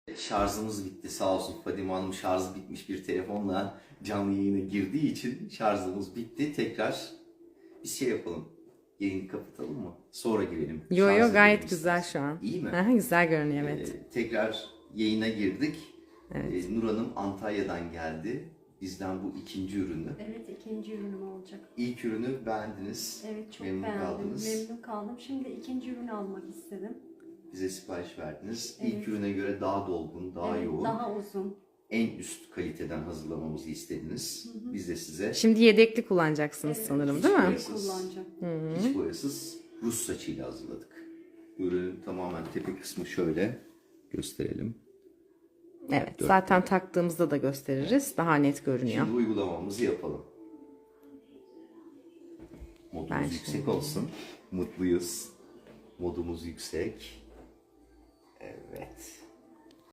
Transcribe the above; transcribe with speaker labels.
Speaker 1: Şarjımız bitti sağ olsun. Fadime Hanım şarjı bitmiş bir telefonla canlı yayına girdiği için şarjımız bitti. Tekrar bir şey yapalım. Yayını kapatalım mı? Sonra girelim.
Speaker 2: Yo
Speaker 1: Şarj
Speaker 2: yo
Speaker 1: edelim
Speaker 2: gayet
Speaker 1: istersen.
Speaker 2: güzel şu an.
Speaker 1: İyi mi?
Speaker 2: Aha, güzel görünüyor evet.
Speaker 1: Tekrar yayına girdik.
Speaker 2: Evet.
Speaker 1: Nur Hanım Antalya'dan geldi. Bizden bu ikinci ürünü.
Speaker 3: Evet, ikinci ürünüm olacak.
Speaker 1: İlk ürünü beğendiniz.
Speaker 3: Evet, çok
Speaker 1: Memnun
Speaker 3: beğendim.
Speaker 1: kaldınız.
Speaker 3: Memnun kaldım. Şimdi ikinci ürünü almak istedim.
Speaker 1: Bize sipariş verdiniz.
Speaker 3: Evet.
Speaker 1: İlk ürüne göre daha dolgun, daha
Speaker 3: Evet,
Speaker 1: yoğun.
Speaker 3: daha uzun.
Speaker 1: En üst kaliteden hazırlamamızı istediniz. Biz de size
Speaker 2: Şimdi yedekli kullanacaksınız
Speaker 3: Evet,
Speaker 2: sanırım değil mi?
Speaker 1: boyasız,
Speaker 3: Kullanacağım.
Speaker 1: hiç boyasız Rus saçıyla hazırladık. Ürünün tamamen tepe kısmı şöyle gösterelim.
Speaker 2: Evet zaten taktığımızda da gösteririz. Daha net görünüyor.
Speaker 1: Şimdi uygulamamızı yapalım. Modumuz
Speaker 2: Ben
Speaker 1: yüksek olsun. Mutluyuz. Modumuz yüksek. Evet.